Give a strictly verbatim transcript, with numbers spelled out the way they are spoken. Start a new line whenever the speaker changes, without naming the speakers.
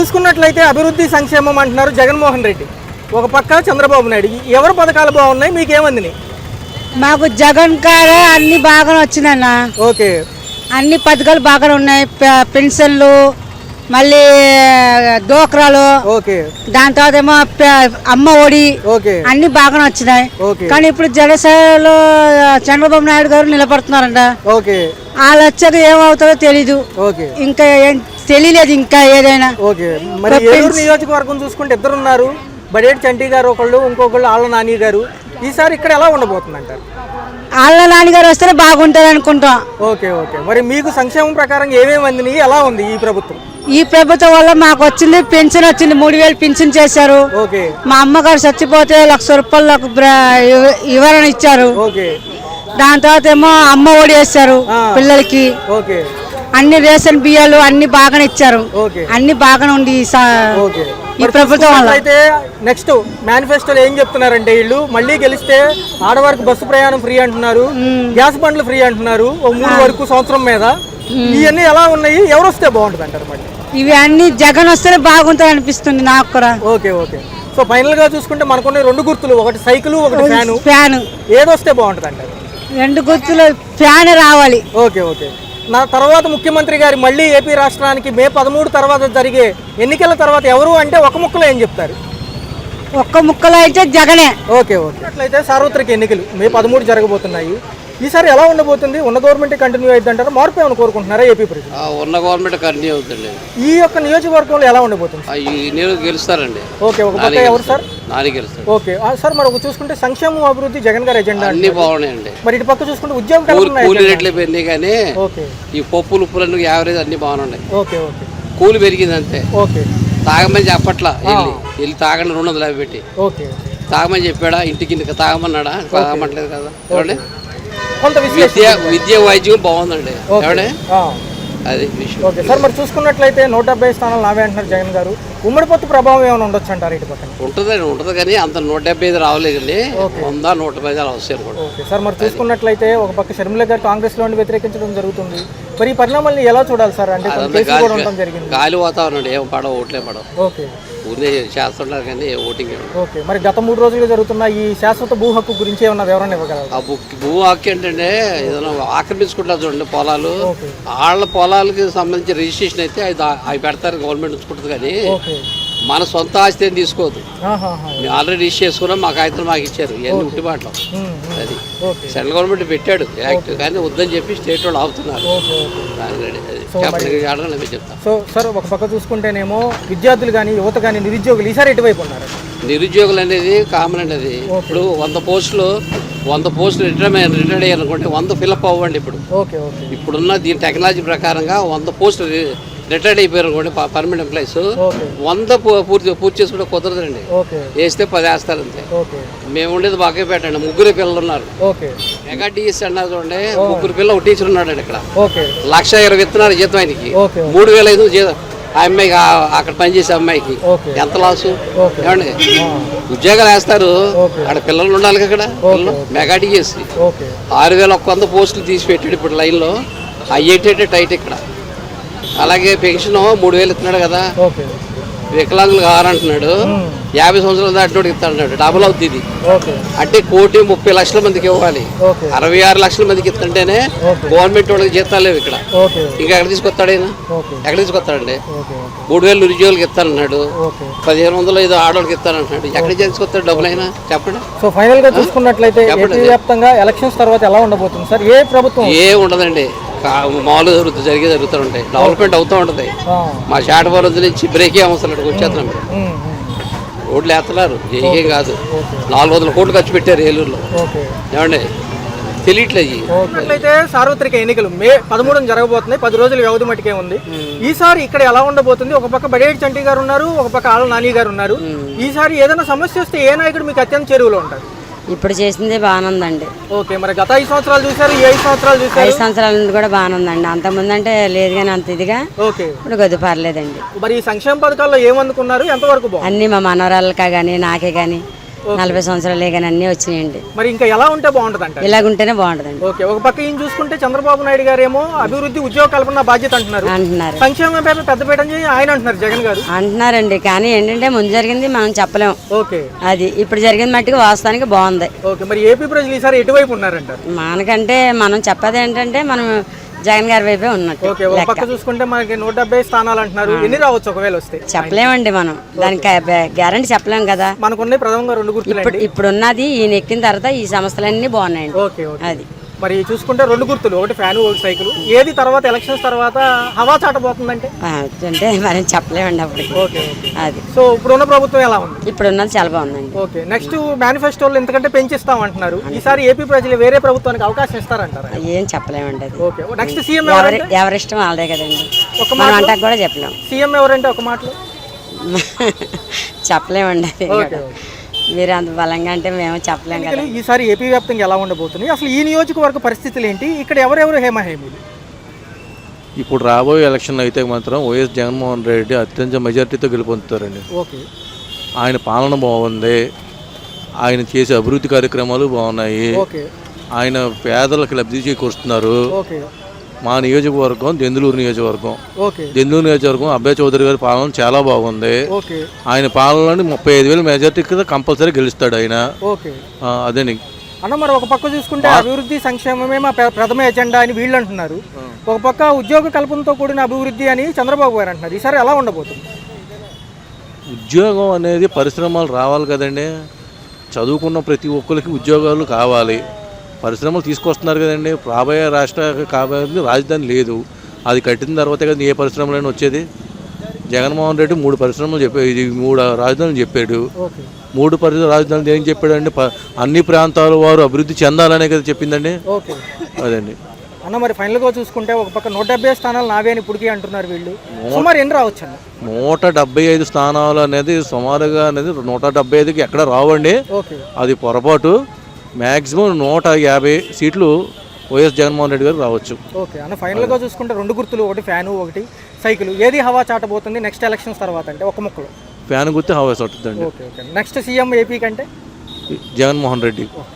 చూసుకున్నట్లయితే అభివృద్ధి సంక్షేమం అంటున్నారు జగన్మోహన్ రెడ్డి, ఒక పక్క చంద్రబాబు నాయుడు. ఎవరి పథకాలు బాగున్నాయి, మీకేమంది?
మాకు జగన్ కాడ అన్ని బాగానే వచ్చిందన్న.
ఓకే,
అన్ని పథకాలు బాగానే ఉన్నాయి. పెన్షన్లు, మళ్ళీ డోక్రాలు, దాని తర్వాత ఏమో అమ్మ ఒడి, అన్ని బాగానే వచ్చినాయి. కానీ ఇప్పుడు జనసేనలో చంద్రబాబు నాయుడు గారు నిలబడుతున్నారంట. వాళ్ళు వచ్చాక ఏమవుతుందో తెలీదు, ఇంకా తెలియలేదు ఇంకా ఏదైనా.
నియోజకవర్గం చూసుకుంటే ఇద్దరు ఉన్నారు, బడేటి చంటి గారు ఒకళ్ళు, ఇంకొకళ్ళు ఆళ్ళ నాని గారు. ఈసారి ఇక్కడ ఎలా ఉండబోతుంది అంటారు?
ఆళ్ళ నాని గారు వస్తేనే బాగుంటుంది అనుకుంటాం.
ఓకే ఓకే మరి మీకు సంక్షేమం ప్రకారం ఏమేమి అందినాయి, ఎలా ఉంది ఈ ప్రభుత్వం?
ఈ ప్రభుత్వం వల్ల మాకు వచ్చింది పెన్షన్ వచ్చింది, మూడు వేలు పెన్షన్ చేశారు. మా అమ్మగారు చచ్చిపోతే లక్ష రూపాయలు వివరణ ఇచ్చారు. దాని తర్వాత ఏమో అమ్మ ఒడి వేస్తారు పిల్లలకి. అన్ని రేషన్ బియ్యాలు అన్ని బాగానే ఇచ్చారు, అన్ని బాగానే ఉంది ఈ ప్రభుత్వం వల్ల.
అయితే నెక్స్ట్ మేనిఫెస్టోలో ఏం చెప్తున్నారంటే, వీళ్ళు మళ్ళీ గెలిస్తే ఆడవారికి బస్సు ప్రయాణం ఫ్రీ అంటున్నారు, గ్యాస్ బండ్లు ఫ్రీ అంటున్నారు ఓ మూడు వరకు సంవత్సరం మీద. ఇవన్నీ ఎలా ఉన్నాయి, ఎవరు వస్తే బాగుంటుంది అంటారు? మళ్ళీ
ఇవి అన్ని జగన్ వస్తేనే బాగుంటుంది అనిపిస్తుంది నాకు కూడా.
ఓకే ఓకే సో ఫైనల్ గా చూసుకుంటే మనకున్న రెండు గుర్తులు, ఒకటి సైకిల్, ఒకటి ఫ్యాను.
ఫ్యాన్
ఏదొస్తే బాగుంటుంది అంటారు?
రెండు గుర్తులు ఫ్యాన్ రావాలి.
ఓకే ఓకే నా తర్వాత ముఖ్యమంత్రి గారి మళ్ళీ ఏపీ రాష్ట్రానికి మే పదమూడు తర్వాత జరిగే ఎన్నికల తర్వాత ఎవరు అంటే ఒక ముక్కలో ఏం చెప్తారు?
ఒక్క ముక్కలో అయితే జగనే.
ఓకే ఓకే అట్లయితే సార్వత్రిక ఎన్నికలు మే పదమూడు జరగబోతున్నాయి. ఈసారి ఎలా ఉండబోతుంది? ఉన్న గవర్నమెంట్ కంటిన్యూ అవుతుంది అంటారా, మార్పు ఏమైనా కోరుకుంటున్నారా ఏపీ ప్రజలు?
ఉన్న గవర్నమెంట్ కంటిన్యూ అవుతుంది.
ఈ యొక్క నియోజకవర్గంలో ఎలా ఉండబోతుంది?
గెలుస్తారండి.
ఓకే, ఒక పక్క ఎవరు సార్?
నాని గెలుస్తారు.
ఓకే సార్, మరి ఒక చూసుకుంటే సంక్షేమం అభివృద్ధి జగన్ గారి ఎజెండా
అన్ని బాగున్నాయండి.
మరి ఇటు పక్క చూసుకుంటే ఉద్యోగం
కూలి రేట్లు పెరిగినాయి, కానీ ఈ పప్పులు ఉప్పులు యావరేజ్ అన్ని బాగున్నాయి.
ఓకే ఓకే
కూలి పెరిగింది అంతే.
ఓకే
తాగమని చెప్పట్లా, వెళ్ళి వెళ్ళి తాగండి రెండు వందల యాభై పెట్టి.
ఓకే
తాగమని చెప్పాడా? ఇంటికి ఇంటికి తాగమన్నాడా? తాగమట్లేదు కదా. చూడండి,
కొంత
విద్య విద్య వైద్యం బాగుందండి. ఎవడే అది విషయం.
ఓకే సార్, మరి చూసుకున్నట్లయితే నూట డెబ్బై స్థానాలు నావే అంటున్నారు జగన్ గారు. ఉమ్మడి పొత్తు ప్రభావం ఏమైనా ఉండొచ్చు అంటారు ఇటు పక్కన?
ఉంటుందండి, ఉంటుంది, కానీ అంత నూట డెబ్బై ఐదు రావలేదండి. వంద నూట పది వస్తాయి అనుకోండి.
ఓకే సార్, మరి చూసుకున్నట్లయితే ఒక పక్క షర్మిల గారు కాంగ్రెస్ లో వ్యతిరేకించడం జరుగుతుంది. మరి ఈ పరిణామాలను ఎలా చూడాలి సార్? అంటే
గాలి వాతావరణం ఏం పడవ, ఓట్లే పడవ.
ఓకే,
ఊరినే చేస్తున్నారు కానీ ఓటింగ్.
ఓకే, మరి గత మూడు రోజులుగా జరుగుతున్న ఈ శాశ్వత భూ హక్కు గురించి ఏమన్నా వివరణ ఇవ్వగలరు?
ఆ భూ హక్కు ఏంటంటే ఏదైనా ఆక్రమించుకుంటారు చూడండి పొలాలు, వాళ్ళ పొలాలకి సంబంధించి రిజిస్ట్రేషన్ అయితే అది అవి పెడతారు, గవర్నమెంట్ ఉంచుకుంటుంది. కానీ మన సొంత ఆస్తి ఏం తీసుకోవద్దు. మేము ఆల్రెడీ రిజిస్టర్ చేసుకున్నాం, మా కాగితాలు మాకు ఇచ్చారు, ఇవన్నీ ఉట్టిబాట్లు. అది సెంట్రల్ గవర్నమెంట్ పెట్టాడు యాక్ట్, కానీ వద్దని చెప్పి స్టేట్ వాళ్ళు ఆపుతున్నారు.
సో సార్, ఒక పక్క చూసుకుంటేనేమో విద్యార్థులు కానీ యువత కానీ నిరుద్యోగులు ఈసారి ఎటువైపు ఉన్నారు?
నిరుద్యోగులు అనేది కామన్ అండి. అది ఇప్పుడు వంద పోస్టులు వంద పోస్టులు రిటైర్ రిటైర్డ్ అయ్యారనుకోండి, వంద ఫిల్అప్ అవ్వండి. ఇప్పుడు ఇప్పుడున్న దీని టెక్నాలజీ ప్రకారంగా వంద పోస్టులు రిటైర్డ్ అయిపోయారు అనుకోండి పర్మనెంట్ ఎంప్లాయీస్, వంద పూర్తి పూర్తి చేసుకుంటే కుదరదండి. వేస్తే పది వేస్తారు అంతే. మేము ఉండేది బాగా పెట్టండి, ముగ్గురు పిల్లలు ఉన్నారు. మెగా టీఎస్ అన్నారు చూడండి, ముగ్గురు పిల్లలు ఒక టీచర్ ఉన్నాడు ఇక్కడ. లక్ష ఇరవై ఇస్తున్నారు జీతం ఆయనకి, మూడు వేల ఐదు జీతం ఆ అమ్మాయికి, అక్కడ పనిచేసే అమ్మాయికి. ఎంత లాసు ఏమండి? ఉద్యోగాలు వేస్తారు, అక్కడ పిల్లలు ఉండాలి. అక్కడ పిల్లలు మెగా టీఎస్ ఆరు వేల ఒక్క వంద పోస్టులు తీసి పెట్టాడు ఇప్పుడు లైన్లో. అయ్యేటట్టే టైట్ ఇక్కడ. అలాగే పెన్షన్ మూడు వేలు ఇస్తున్నాడు కదా, వికలాంగులు కావాలంటున్నాడు. యాభై సంవత్సరాలు దాటినోడు ఇస్తాడు, డబుల్ అవుతుంది ఇది. అంటే కోటి ముప్పై లక్షల మందికి ఇవ్వాలి, అరవై ఆరు లక్షల మందికి ఇస్తుంటేనే గవర్నమెంట్ వాళ్ళకి జీతాలు లేవు ఇక్కడ. ఇంకా ఎక్కడ తీసుకొస్తాడు ఆయన? ఎక్కడ తీసుకొస్తాడండి? మూడు వేలు నిరుద్యోగులకి ఇస్తానన్నాడు, పదిహేను వందలు ఐదు ఆడవాళ్ళకి ఇస్తానంటున్నాడు. ఎక్కడ తీసుకొస్తాడు డబ్బులు అయినా? చెప్పండి.
సో ఫైనల్ గా చూసుకున్నట్లయితే వ్యాప్తంగా ఎలక్షన్స్ తర్వాత ఎలా ఉండబోతుంది సార్? ఏ ప్రభుత్వం?
ఏ ఉండదండి, మామూలుగా జరుగుతుంది, జరిగే జరుగుతూ ఉంటాయి, డెవలప్మెంట్ అవుతూ ఉంటుంది. మా షాటవరం నుంచి బ్రేకే అవసరం వచ్చేస్తున్నాం. రోడ్లు వేస్తున్నారు, ఏం కాదు. నాలుగు వందల కోట్లు ఖర్చు పెట్టారు ఏలూరులో. ఏమండి తెలియట్లేదు.
అయితే సార్వత్రిక ఎన్నికలు మే పదమూడున జరగబోతున్నాయి, పది రోజుల వ్యవధి మటుకే ఉంది. ఈసారి ఇక్కడ ఎలా ఉండబోతుంది? ఒక పక్క బడేటి చంటి గారు ఉన్నారు, ఒక పక్క ఆళ్ళ నాని గారు ఉన్నారు. ఈసారి ఏదైనా సమస్య వస్తే ఏ నాయకుడు మీకు అత్యంత చెరువులో ఉంటారు?
ఇప్పుడు చేసిందే బాగానుందండి.
ఓకే, మరి గత ఐదు సంవత్సరాలు చూసారు, ఈ ఐదు సంవత్సరాలు చూసారు?
ఐదు సంవత్సరాల నుండి కూడా బాగానుందండి. అంతకుముందు అంటే లేదు కానీ అంత ఇదిగా.
ఓకే,
ఇప్పుడు కొద్ది పర్లేదండి.
మరి ఈ సంక్షేమ పథకాల్లో ఏమందుకున్నారు, ఎంతవరకు?
అన్ని మా మనవరాళ్ళకా కానీ నాకే కానీ నలభై సంవత్సరాలే కానీ అన్నీ వచ్చినాయండి.
మరి ఇంకా ఎలా ఉంటే బాగుంటుంది అంటారు?
ఇలాగుంటేనే బాగుంటుందండి.
ఓకే, ఒక పక్క ఈయన చూసుకుంటే చంద్రబాబు నాయుడు గారు ఏమో అభివృద్ధి ఉద్యోగ కల్పన బాధ్యత అంటున్నారు,
అంటున్నారు.
సంక్షేమం పేరు పెద్ద పీట అని ఆయన అంటున్నారు జగన్ గారు.
అంటున్నారండి, కానీ ఏంటంటే ముందు జరిగింది మనం చెప్పలేం.
ఓకే,
అది ఇప్పుడు జరిగిన మట్టుకు వాస్తవానికి బాగుంది.
ఓకే, మరి ఏపీ ప్రజలు ఈసారి ఎటువైపు ఉన్నారంటారు?
మనకంటే మనం చెప్పేది ఏంటంటే మనం జగన్ గారి వైపే ఉన్నట్టు.
ఓకే, ఒక పక్క చూసుకుంటే మనకి నూట డెబ్బై స్థానాలు అంటున్నారు, ఎన్ని రావచ్చు ఒకవేళ వస్తే?
చెప్పలేమండి, మనం దానికి గ్యారంటీ చెప్పలేం కదా.
మనకున్న ప్రథమంగా రెండు గుర్తులు
ఇప్పుడు ఉన్నది ఈయన ఎక్కిన తర్వాత ఈ సంస్థలన్నీ బాగున్నాయండి.
ఓకే,
అది
మరి చూసుకుంటే రెండు గుర్తులు, ఒకటి ఫ్యాన్ ఒకటి సైకిల్, ఏది తర్వాత ఎలక్షన్స్ తర్వాత హవా చాటబోతుందంటే
అంటే మరి చెప్పలేమండి అప్పటికి.
ఓకే,
అది
సో ఇప్పుడున్న ప్రభుత్వం ఎలా ఉంది?
ఇప్పుడు ఉన్నది చాలా బాగుందండి.
ఓకే, నెక్స్ట్ మేనిఫెస్టోలో ఎంతకంటే పెంచిస్తాం అంటున్నారు, ఈసారి ఏపీ ప్రజలు వేరే ప్రభుత్వానికి అవకాశం ఇస్తారంటారా?
ఏం చెప్పలేమండి అది.
ఓకే, నెక్స్ట్ సీఎం
ఎవరిష్టం వాళ్ళదే కదండి,
ఒక
మనం అంటాక కూడా చెప్పలేం.
సీఎం ఎవరంటే ఒక మాటలో
చెప్పలేమండి అది. మీరు అంత బలంగా అంటే మేము చెప్పలేం కదా.
ఈసారి ఏపీ వ్యాప్తంగా ఎలా ఉండబోతుంది, అసలు ఈ నియోజకవర్గ పరిస్థితులు ఏంటి, ఇక్కడ ఎవరెవరు హేమహేమీలు?
ఇప్పుడు రాబోయే ఎలక్షన్ అయితే మాత్రం వైఎస్ జగన్మోహన్ రెడ్డి అత్యంత మెజార్టీతో గెలుపొందుతారండి.
ఓకే,
ఆయన పాలన బాగుంది, ఆయన చేసే అభివృద్ధి కార్యక్రమాలు బాగున్నాయి,
ఓకే,
ఆయన పేదలకు లబ్ధి చేకూరుస్తున్నారు.
ఓకే,
మా నియోజకవర్గం దెందులూరు నియోజకవర్గం.
ఓకే,
దెందులూరు నియోజకవర్గం అబ్బాయి చౌదరి గారి పాలన చాలా బాగుంది.
ఓకే,
ఆయన పాలనలోని ముప్పై ఐదు వేల మెజార్టీ కంపల్సరీ గెలుస్తాడు ఆయన.
ఓకే,
అదేని
అన్న. మరి ఒక పక్క చూసుకుంటే అభివృద్ధి సంక్షేమమే మా ప్ర- ప్రథమ ఎజెండా అని వీళ్ళు అంటున్నారు, ఒక పక్క ఉద్యోగ కల్పనతో కూడిన అభివృద్ధి అని చంద్రబాబు గారు అంటున్నారు, ఈసారి ఎలా ఉండబోతుంది?
ఉద్యోగం అనేది పరిశ్రమలు రావాలి కదండి, చదువుకున్న ప్రతి ఒక్కరికి ఉద్యోగాలు కావాలి, పరిశ్రమలు తీసుకొస్తున్నారు కదండి. రాబోయే రాష్ట్ర కాబోయే రాజధాని లేదు, అది కట్టిన తర్వాతే కదా ఏ పరిశ్రమలైనా వచ్చేది. జగన్మోహన్ రెడ్డి మూడు పరిశ్రమలు చెప్పాడు, ఇది మూడు రాజధానులు చెప్పాడు.
ఓకే,
మూడు పరిశ్రమ రాజధానులు ఏం చెప్పాడండి, అన్ని ప్రాంతాల వారు అభివృద్ధి చెందాలనే కదా చెప్పిందండి.
ఓకే,
అదండి
అన్న. మరి ఫైనల్గా చూసుకుంటే ఒక పక్క నూట డెబ్బై స్థానాలు నావే అని ఇప్పటికీ అంటున్నారు వీళ్ళు, సుమారు ఎన్ని రావచ్చు అన్న?
నూట డెబ్బై ఐదు స్థానాలు అనేది సుమారుగా అనేది నూట డెబ్బై ఐదుకి ఎక్కడ రావండి,
ఓకే,
అది పొరపాటు. మ్యాక్సిమం నూట యాభై సీట్లు వైఎస్ జగన్మోహన్ రెడ్డి గారు రావచ్చు.
ఓకే అన్న. ఫైనల్గా చూసుకుంటే రెండు గుర్తులు, ఒకటి ఫ్యాను ఒకటి సైకిల్, ఏది హవా చాటబోతుంది నెక్స్ట్ ఎలక్షన్స్ తర్వాత అంటే ఒక ముక్కలో?
ఫ్యాన్ గుర్తు హవాస్ అవుతుందండి.
Okay, okay. Next CM AP కంటే
జగన్మోహన్ రెడ్డి.